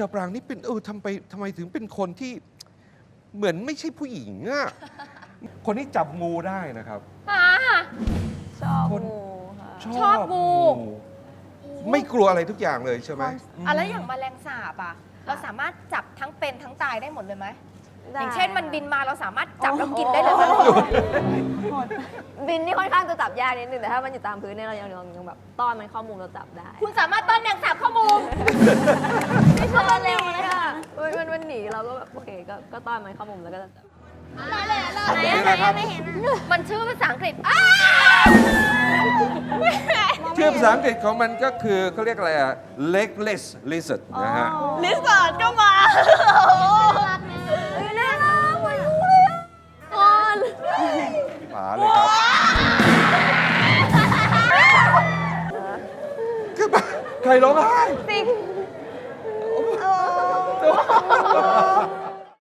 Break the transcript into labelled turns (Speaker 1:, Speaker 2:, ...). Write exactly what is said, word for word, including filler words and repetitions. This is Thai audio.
Speaker 1: อปรางนี่เป็นเออทำไปทำไมถึงเป็นคนที่เหมือนไม่ใช่ผู้หญิงอะคนที่จับงูได้นะครับ
Speaker 2: ชอบ
Speaker 1: คน
Speaker 2: งูค่ะ
Speaker 3: ชอบงู
Speaker 1: ไม่กลัวอะไรทุกอย่างเลยใช่ไหม
Speaker 3: อ่ะแล้วอย่างแมลงสาบอ่ะ เราสามารถจับทั้งเป็นทั้งตายได้หมดเลยไหม
Speaker 2: ได้
Speaker 3: อย่างเช่นมันบินมาเราสามารถจับแล้วกินได้เลยไหม
Speaker 2: บินนี่ค่อนข้างจะจับยากนิดนึงแต่ถ้ามันอยู่ตามพื้นเนี่ยเรายังยังยังแบบต้อนมันเข้ามุมเราจับได้
Speaker 3: คุณสามารถต้อนแมงสาบเข้ามุม
Speaker 2: ไม่ชอบเลยอ่ะมันมันมันหนีเราก็แบบโอเคก็ก็ต้อนมันเข้ามุมแล้วก็จะจับ
Speaker 1: นี่นะครับ
Speaker 3: มันชื่อภาษาอังกฤษ
Speaker 1: ชื่อภาษาอังกฤษของมันก็คือเขาเรียกอะไรอะ legless lizard นะฮะ
Speaker 3: ลิสอร์ดก็มา
Speaker 2: น่ารักเหมือนงูเลยอ่ะอ่อน
Speaker 1: หมาเลยครับคือแบบใครร้องไห้
Speaker 2: สิ